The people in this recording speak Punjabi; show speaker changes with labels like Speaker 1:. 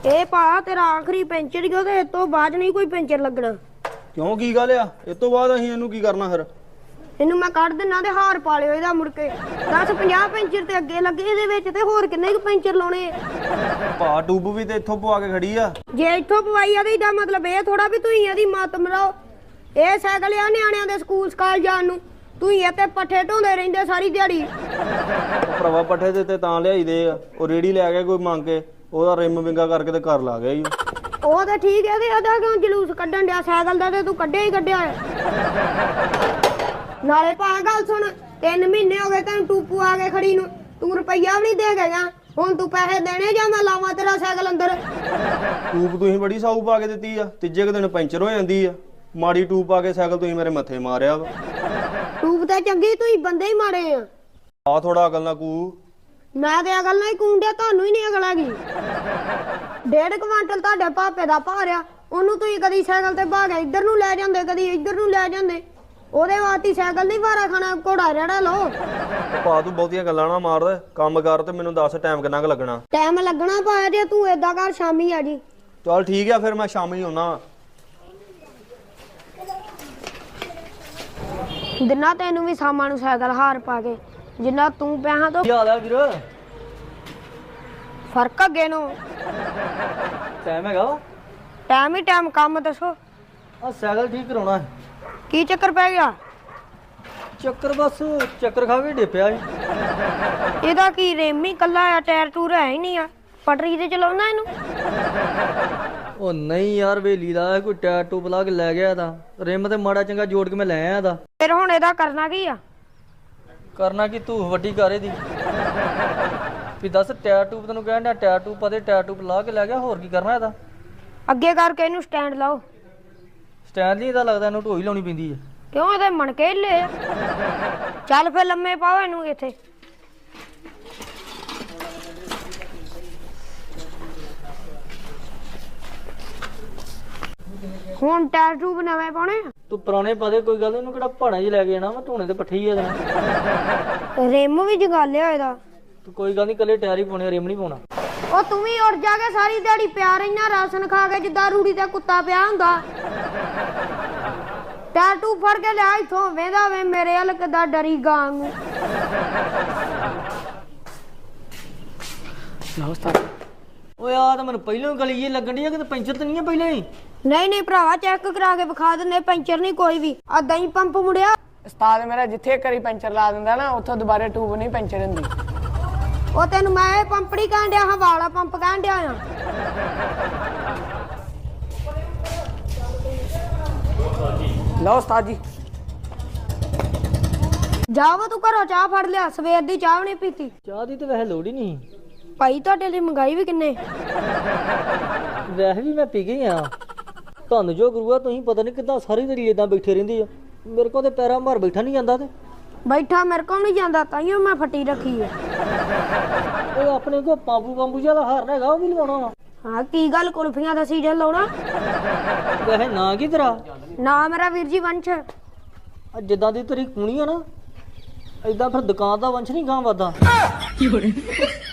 Speaker 1: ਇਹ ਭਾ ਤੇਰਾ ਆਖਰੀ ਪੈਂਚਰ ਹੀ ਉਹਦੇ ਤੋਂ ਬਾਅਦ ਨਹੀਂ ਕੋਈ ਪੈਂਚਰ ਲੱਗਣਾ।
Speaker 2: ਕਿਉਂ ਕੀ ਗੱਲ ਆ? ਇਸ ਤੋਂ ਬਾਅਦ ਅਸੀਂ ਇਹਨੂੰ ਕੀ ਕਰਨਾ ਫਿਰ?
Speaker 1: ਇਹਨੂੰ ਮੈਂ ਕੱਢ ਦਿੰਨਾ ਤੇ ਹਾਰ ਪਾ ਲਿਓ ਇਹਦਾ ਮੁੜ ਕੇ 10-50 ਪੈਂਚਰ ਤੇ ਅੱਗੇ ਲੱਗੇ ਇਹਦੇ ਵਿੱਚ ਤੇ ਹੋਰ ਕਿੰਨੇ ਕੁ ਪੈਂਚਰ ਲਾਉਣੇ।
Speaker 2: ਭਾ ਟੂਬ ਵੀ ਤੇ ਇੱਥੋਂ ਪਵਾ ਕੇ ਖੜੀ ਆ।
Speaker 1: ਜੇ ਇੱਥੋਂ ਪਵਾਈ ਆ ਤੇ ਇਹਦਾ ਮਤਲਬ ਇਹ ਥੋੜਾ ਵੀ ਤੁਸੀਂ ਇਹਦੀ ਮੱਤ ਮਰਾਓ। ਇਹ ਸਾਈਕਲ ਆ ਨਿਆਣਿਆਂ ਦੇ ਸਕੂਲ ਸਕਾਲ ਜਾਣ ਨੂੰ, ਤੁਸੀਂ ਇੱਥੇ ਪੱਠੇ ਢੋਂਦੇ ਰਹਿੰਦੇ ਸਾਰੀ ਦਿਹਾੜੀ।
Speaker 2: ਉਹ ਭਰਾਵਾ ਪੱਠੇ ਦੇ ਤੇ ਤਾਂ ਲਿਆਈਦੇ ਆ, ਉਹ ਰੇੜੀ ਲੈ ਗਿਆ ਕੋਈ ਮੰਗ ਕੇ, ਉਹਦਾ ਰਿਮ ਵਿੰਗਾ ਕਰਕੇ ਤੇ ਘਰ ਲਾ ਗਿਆ ਈ।
Speaker 1: ਉਹ ਤਾਂ ਠੀਕ ਹੈ ਤੇ ਇਹਦਾ ਕਿਉਂ ਜਲੂਸ ਕੱਢਣ ਡਿਆ ਸਾਈਕਲ ਦਾ? ਤੇ ਤੂੰ ਕੱਢਿਆ ਹੀ ਕੱਢਿਆ ਹੈ। ਨਾਲੇ ਭਾ ਗੱਲ ਸੁਣ, 3 ਮਹੀਨੇ ਹੋ ਗਏ ਤੈਨੂੰ ਟੂਪੂ ਆ ਕੇ ਖੜੀ ਨੂੰ, ਤੂੰ ਰੁਪਈਆ ਵੀ ਨਹੀਂ ਦੇ ਗਿਆ। ਹੁਣ ਤੂੰ ਪੈਸੇ ਦੇਣੇ ਜਾਂ ਮੈਂ ਲਾਵਾਂ ਤੇਰਾ ਸਾਈਕਲ ਅੰਦਰ?
Speaker 2: ਟੂਬ ਤੁਸੀਂ ਬੜੀ ਸਾਊ ਪਾ ਕੇ ਦਿੱਤੀ ਆ, ਤੀਜੇ ਕੁ ਦਿਨ ਪੈਂਚਰ ਹੋ ਜਾਂਦੀ ਆ। ਮਾੜੀ ਟੂਬ ਪਾ ਕੇ ਸਾਈਕਲ ਤੁਸੀਂ ਮੇਰੇ ਮੱਥੇ ਮਾਰਿਆ ਵਾ।
Speaker 1: ਟੂਬ ਤਾਂ ਚੰਗੀ, ਤੁਸੀਂ ਬੰਦੇ ਹੀ ਮਾੜੇ ਆ।
Speaker 2: ਆ ਥੋੜਾ ਅਕਲ ਨਾ ਕੂ।
Speaker 1: ਮੈਂ ਤੇ ਅਕਲ ਨਾਲ ਹੀ ਕੂੰਡਿਆ, ਤੁਹਾਨੂੰ ਹੀ ਨਹੀਂ ਅਕਲ ਹੈਗੀ। 1.5 ਕੁਆਂਟਲ ਤੁਹਾਡੇ ਭਾਪੇ ਦਾ ਭਾਰ ਆ, ਉਹਨੂੰ ਤੁਸੀਂ ਕਦੀ ਸਾਈਕਲ ਤੇ ਭਾਗ ਇੱਧਰ ਨੂੰ ਲੈ ਜਾਂਦੇ, ਕਦੀ ਇੱਧਰ ਨੂੰ ਲੈ ਜਾਂਦੇ। ਉਹਦੇ ਵਾਸਤੇ ਸਾਈਕਲ ਨਹੀਂ ਭਾਰਾ ਖਾਣਾ, ਘੋੜਾ ਰੜਾ ਲਓ।
Speaker 2: ਭਾ ਤੂੰ ਬਹੁਤੀਆਂ ਗੱਲਾਂ ਨਾ ਮਾਰ, ਕੰਮ ਕਰ ਤੇ ਮੈਨੂੰ ਦੱਸ ਟਾਈਮ ਕਿੰਨਾ ਕੁ ਲੱਗਣਾ।
Speaker 1: ਟਾਈਮ ਲੱਗਣਾ ਪਾਇਆ ਜੇ ਤੂੰ ਏਦਾਂ ਕਰ, ਸ਼ਾਮੀ ਆ ਜੀ।
Speaker 2: ਚੱਲ ਠੀਕ ਆ ਫਿਰ, ਮੈਂ ਸ਼ਾਮੀ ਆਉਣਾ।
Speaker 1: ਦਿਨਾ ਤੈਨੂੰ ਵੀ ਸ਼ਾਮਾਂ ਨੂੰ ਸਾਈਕਲ ਹਾਰ ਪਾ ਕੇ, ਜਿੰਨਾ ਤੂੰ ਪਿਆ ਤੋਂ
Speaker 3: ਕੀ ਹਾਲ ਆ ਵੀਰ?
Speaker 1: ਫਰਕ ਅੱਗੇ ਨੂੰ।
Speaker 3: ਟਾਈਮ ਹੈਗਾ ਵਾ?
Speaker 1: ਟਾਈਮ ਹੀ ਟਾਈਮ, ਕੰਮ ਦੱਸੋ
Speaker 3: ਆ ਸਾਈਕਲ ਠੀਕ ਕਰਾਉਣਾ ਹੈ।
Speaker 1: ਕੀ ਚੱਕਰ ਪੈ ਗਿਆ?
Speaker 3: ਚੱਕਰ ਬਸ ਚੱਕਰ ਖਾ ਕੇ ਡਿੱਪਿਆ ਸੀ।
Speaker 1: ਇਹਦਾ ਕੀ ਰਿਮ ਹੀ ਕੱਲਾ ਆ, ਟਾਇਰ ਟੂਰ ਹੈ ਹੀ ਨਹੀਂ ਆ। ਪਟਰੀ ਤੇ ਚਲਾਉਣਾ ਇਹਨੂੰ?
Speaker 3: ਉਹ ਨਹੀਂ ਯਾਰ, ਵੇਲੀ ਦਾ ਕੋਈ ਟਾਇਰ ਟੂਬ ਲਾ ਕੇ ਲੈ ਗਿਆ ਤਾਂ ਰਿਮ ਤੇ ਮਾੜਾ ਚੰਗਾ ਜੋੜ ਕੇ ਮੈਂ ਲੈ ਆਇਆ ਦਾ।
Speaker 1: ਫਿਰ ਹੁਣ ਇਹਦਾ ਕਰਨਾ ਕੀ ਆ?
Speaker 3: ਕਰਨਾ ਕੀ, ਤੂੰ ਵੱਡੀ ਕਾਰੇ ਦੀ ਵੀ ਦੱਸ। ਟਾਇਰ ਟੂਬ ਤੈਨੂੰ ਕਹਿਣ ਡਿਆ, ਟਾਇਰ ਟੂਬ ਪਤੇ ਟਾਇਰ ਟੂਬ ਲਾ ਕੇ ਲੈ ਗਿਆ, ਹੋਰ ਕੀ ਕਰਨਾ ਇਹਦਾ?
Speaker 1: ਅੱਗੇ ਕਰਕੇ ਇਹਨੂੰ ਸਟੈਂਡ ਲਾਓ।
Speaker 3: ਸਟੈਂਡ ਨਹੀਂ ਇਹਦਾ ਲੱਗਦਾ, ਇਹਨੂੰ ਢੋਈ ਲਾਉਣੀ ਪੈਂਦੀ ਹੈ।
Speaker 1: ਕਿਉਂ ਇਹਦੇ ਮਣਕੇ ਹਿੱਲੇ ਆ? ਚੱਲ ਫਿਰ ਲੰਮੇ ਪਾਓ ਇਹਨੂੰ ਇੱਥੇ। ਹੁਣ ਟਾਇਰ ਟੂਬ ਨਵੇਂ ਪਾਉਣੇ ਆ?
Speaker 3: ਤੂੰ ਪੁਰਾਣੇ ਪਾ ਦੇ, ਕੋਈ ਗੱਲ ਨੀ, ਇਹਨੂੰ ਕਿਹੜਾ ਪਹਾੜਾਂ 'ਚ ਲੈ ਕੇ ਜਾਣਾ, ਮੈਂ ਧੋਣੇ ਤੇ ਪੱਠੇ ਹੀ ਆ ਦੇਣਾ।
Speaker 1: ਰਿਮ ਵੀ ਜਗਾਲਿਆ ਇਹਦਾ।
Speaker 3: ਤੂੰ ਕੋਈ ਗੱਲ ਨਹੀਂ, ਕੱਲੇ ਟਾਇਰ ਹੀ ਪਾਉਣੇ, ਰਿਮ ਨਹੀਂ ਪਾਉਣਾ।
Speaker 1: ਉਹ ਤੂੰ ਵੀ ਉੱਡ ਜਾ ਕੇ ਸਾਰੀ ਦਿਹਾੜੀ ਪਿਆ ਰਹਿਣਾ ਰਾਸ਼ਨ ਖਾ ਕੇ, ਜਿੱਦਾਂ ਰੂੜੀ ਤੇ ਕੁੱਤਾ ਪਿਆ ਹੁੰਦਾ। ਟਾਇਰ ਟੂਬ ਫੜ ਕੇ ਲਿਆ ਇੱਥੋਂ, ਵੇਂਦਾ ਵੇ ਮੇਰੇ ਵੱਲ ਕਿੱਦਾਂ ਡਰੀ ਗਾਂ ਨੂੰ।
Speaker 3: ਓਏ ਆ ਤਾਂ ਮੈਨੂੰ ਪਹਿਲਾਂ ਹੀ ਗਲੀ ਜੀ ਲੱਗਣ ਡਈ ਆ, ਕਿਤੇ ਪੈਂਚਰ ਤਾਂ ਨਹੀਂ ਆ ਪਹਿਲਾਂ ਹੀ?
Speaker 1: ਨਹੀਂ ਭਰਾਵਾ, ਚੈੱਕ ਕਰਾ ਕੇ ਵਿਖਾ ਦਿੰਦੇ, ਪੈਂਚਰ ਨਹੀਂ ਕੋਈ ਵੀ। ਆ ਦਹੀਂ ਪੰਪ ਮੁੜਿਆ।
Speaker 4: ਉਸਤਾਦ ਮੇਰਾ ਜਿੱਥੇ ਕਰੀ ਪੈਂਚਰ ਲਾ ਦਿੰਦਾ ਨਾ, ਉੱਥੋਂ ਦੁਬਾਰੇ ਟੂਬ ਨਹੀਂ ਪੈਂਚਰ ਹੁੰਦੀ।
Speaker 1: ਉਹ ਤੈਨੂੰ ਮੈਂ ਇਹ ਪੰਪ ਨਹੀਂ ਕਹਿਣ ਡਿਆ, ਹਵਾ ਵਾਲਾ ਪੰਪ ਕਹਿਣ ਡਿਆ ਆ।
Speaker 4: ਲਓ ਉਸਤਾਦ ਜੀ।
Speaker 1: ਜਾਵਾ ਤੂੰ ਘਰੋਂ ਚਾਹ ਫੜ ਲਿਆ, ਸਵੇਰ ਦੀ ਚਾਹ ਵੀ ਨਹੀਂ ਪੀਤੀ।
Speaker 3: ਚਾਹ ਦੀ ਤਾਂ ਵੈਸੇ ਲੋੜ ਹੀ ਨਹੀਂ
Speaker 1: ਭਾਈ, ਤੁਹਾਡੇ ਲਈ ਮੰਗਾਈ ਵੀ ਕਿੰਨੇ।
Speaker 3: ਵੈਸੇ ਵੀ ਮੈਂ ਪੀ ਗਈ ਆ। ਤੁਹਾਨੂੰ ਜੋ ਗੁਰੂਆ, ਤੁਸੀਂ ਪਤਾ ਨਹੀਂ ਕਿੱਦਾਂ ਸਾਰੀ ਦਿਹਾੜੀ ਏਦਾਂ ਬੈਠੇ ਰਹਿੰਦੇ ਆ। ਮੇਰੇ ਕੋਲ ਤੇ ਪੈਰਾਂ ਮਾਰ ਬੈਠਾ ਨਹੀਂ ਜਾਂਦਾ। ਤੇ
Speaker 1: ਬੈਠਾ ਮੇਰੇ ਕੋਲ ਨਹੀਂ ਜਾਂਦਾ, ਤਾਈਓ ਮੈਂ ਫੱਟੀ ਰੱਖੀ ਆ।
Speaker 3: ਉਹ ਆਪਣੇ ਕੋ ਪਾਂਬੂ ਜਿਹਾ ਹਾਰਨਾ ਹੈਗਾ, ਉਹ ਵੀ ਲਵਾਉਣਾ ਵਾ।
Speaker 1: ਹਾਂ ਕੀ ਗੱਲ, ਕੁਲਫੀਆਂ ਦਾ ਸੀਜ਼ਨ ਲਾਉਣਾ?
Speaker 3: ਵੈਸੇ ਨਾਂ ਕੀ ਤੇਰਾ?
Speaker 1: ਨਾ ਮੇਰਾ ਵੀਰ ਜੀ ਵੰਸ਼।
Speaker 3: ਜਿੱਦਾਂ ਦੀ ਤੇਰੀ ਕੂਣੀ ਆ ਨਾ, ਏਦਾਂ ਫਿਰ ਦੁਕਾਨ ਦਾ ਵੰਸ਼ ਨਹੀਂ ਗਾਂ ਵੱਧਦਾ।